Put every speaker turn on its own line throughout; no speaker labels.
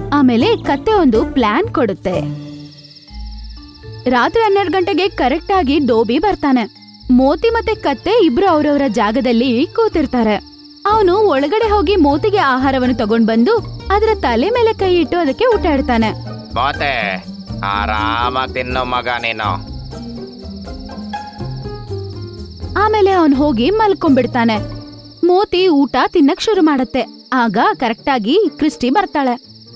ಆಮೇಲೆ ಕತ್ತೆ ಒಂದು ಪ್ಲಾನ್ ಕೊಡುತ್ತೆ. ರಾತ್ರಿ 12 ಗಂಟೆಗೆ ಕರೆಕ್ಟ್ ಆಗಿ ಡೋಬಿ ಬರ್ತಾನೆ. ಮೋತಿ ಮತ್ತೆ ಕತ್ತೆ ಇಬ್ರು ಅವ್ರವ್ರ ಜಾಗದಲ್ಲಿ ಕೂತಿರ್ತಾರೆ. ಅವನು ಒಳಗಡೆ ಹೋಗಿ ಮೋತಿಗೆ ಆಹಾರವನ್ನು ತಗೊಂಡ್ ಬಂದು ಅದರ ತಲೆ ಮೇಲೆ ಕೈ ಇಟ್ಟು ಅದಕ್ಕೆ ಊಟ ಇಡ್ತಾನೆ.
ಮೋತೆ, ಆರಾಮಾಗಿ ತಿನ್ನು ಮಗ ನೀನು.
ಆಮೇಲೆ ಅವನ್ ಹೋಗಿ ಮಲ್ಕೊಂಡ್ಬಿಡ್ತಾನೆ. ಮೋತಿ ಊಟ ತಿನ್ನಕ್ ಶುರು ಮಾಡತ್ತೆ. ಆಗ ಕರೆಕ್ಟ್ ಆಗಿ ಕ್ರಿಸ್ಟಿ ಬರ್ತಾಳೆ.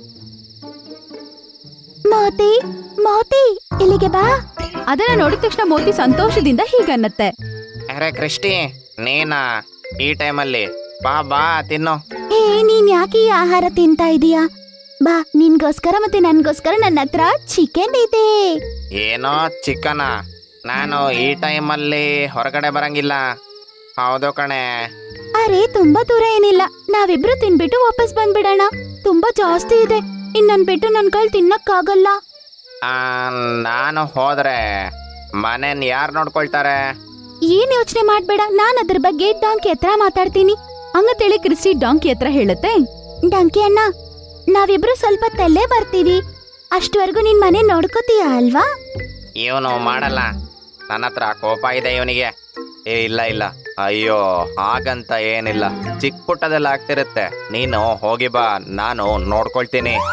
ಮೋತಿ ಮೋತಿ ಇಲ್ಲಿಗೆ ಬಾ. ಅದನ್ನ ನೋಡಿದ ತಕ್ಷಣ ಮೋತಿ ಸಂತೋಷದಿಂದ ಹೀಗನ್ನತ್ತೆ.
ಅರೆ ಕ್ರಿಸ್ಟಿ, ನೀನಾ ಈ ಟೈಮಲ್ಲಿ? ಬಾ ಬಾ ತಿನ್ನು.
ಏ, ನೀನ್ ಯಾಕೆ ಈ ಆಹಾರ ತಿಂತಾ ಇದೀಯಾ? ಬಾ, ನಿನ್ಗೋಸ್ಕರ ಮತ್ತೆ ನನ್ಗೋಸ್ಕರ ನನ್ನ ಹತ್ರ ಚಿಕನ್ ಇದೆ.
ಏನೋ ಚಿಕನ? ನಾನು ಈ ಟೈಮಲ್ಲಿ ಹೊರಗಡೆ ಬರಂಗಿಲ್ಲ. ಹೌದು ಕಣೆ.
ಅರೆ, ತುಂಬಾ ದೂರ ಏನಿಲ್ಲ. ನಾವಿಬ್ರು ತಿನ್ಬಿಟ್ಟು ವಾಪಸ್ ಬಂದ್ಬಿಡೋಣ. ತುಂಬಾ ಜಾಸ್ತಿ ಇದೆ. ಇನ್ನನ್ ಬಿಟ್ಟು ನನ್ ಕೈಲಿ ತಿನ್ನಕ್ಕಾಗಲ್ಲ.
ನಾನು ಹೋದ್ರೆ ಮನೇನ್ ಯಾರು ನೋಡ್ಕೊಳ್ತಾರೆ?
ಏನ್ ಯೋಚನೆ ಮಾಡ್ಬೇಡ, ನಾನ್ ಅದ್ರ ಬಗ್ಗೆ ಡಾಂಕಿ ಹತ್ರ ಮಾತಾಡ್ತೀನಿ. ಹಂಗಂತೇಳಿ ಕ್ರಿಸ್ಟಿ ಡಾಂಕಿ ಹತ್ರ ಹೇಳುತ್ತೆ. ಡಾಂಕಿ ಅಣ್ಣ, ನಾವಿಬ್ರು ಸ್ವಲ್ಪ ತಲ್ಲೇ ಬರ್ತೀವಿ. ಅಷ್ಟವರೆಗೂ ನಿನ್ ಮನೆ ನೋಡ್ಕೋತೀಯ ಅಲ್ವಾ?
ಇವನು ಮಾಡಲ್ಲ. ನನ್ನ ಹತ್ರ ಕೋಪ ಇದೆ ಇವನಿಗೆ. ಇಲ್ಲ ಇಲ್ಲ, ಅಯ್ಯೋ ಹಾಗಂತ ಏನಿಲ್ಲ. ಚಿಕ್ಕ ಪುಟ್ಟದೆಲ್ಲ ಆಗ್ತಿರುತ್ತೆ. ನೀನು ಹೋಗಿ ಬಾ, ನಾನು ನೋಡ್ಕೊಳ್ತೀನಿ.